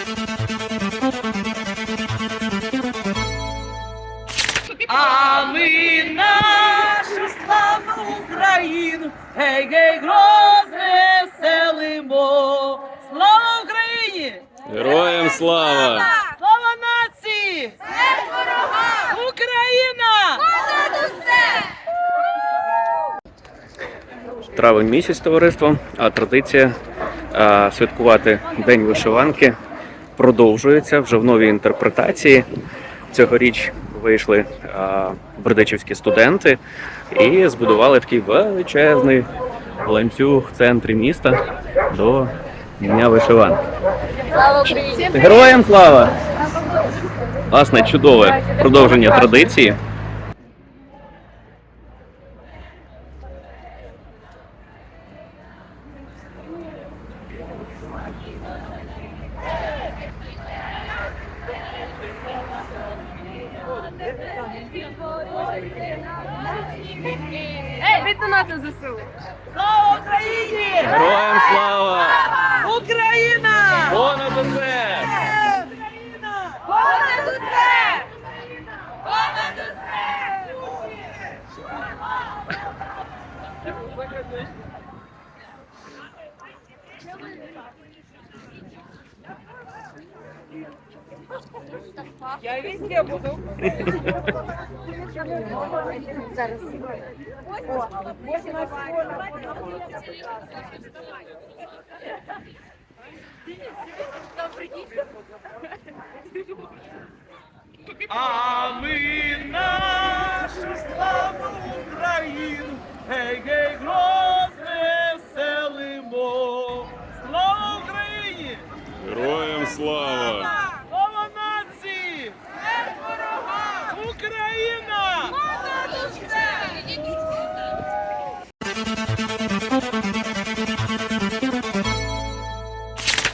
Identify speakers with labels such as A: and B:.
A: А ми нашу славну Україну, гей-гей, грозне селимо. Слава Україні!
B: Героям слава!
A: Слава нації!
C: Смерть ворогам!
A: Україна!
C: Понад усе!
B: Травень місяць, товариство, а традиція святкувати День вишиванки продовжується вже в новій інтерпретації. Цьогоріч вийшли бердичівські студенти і збудували такий величезний ланцюг в центрі міста до Дня вишиванки.
C: Слава Україні!
B: Героям слава! Власне, чудове продовження традиції.
C: Віддонати ЗСУ!
A: Слава Україні!
B: Героям слава!
A: Україна!
B: Понад усе!
A: Україна!
C: Понад усе! Понад усе!
A: Я везде буду.
C: Зараз.
A: А ми нашу славну Україну, гей-гей, грозне селимо. Слава Україні!
B: Героям слава!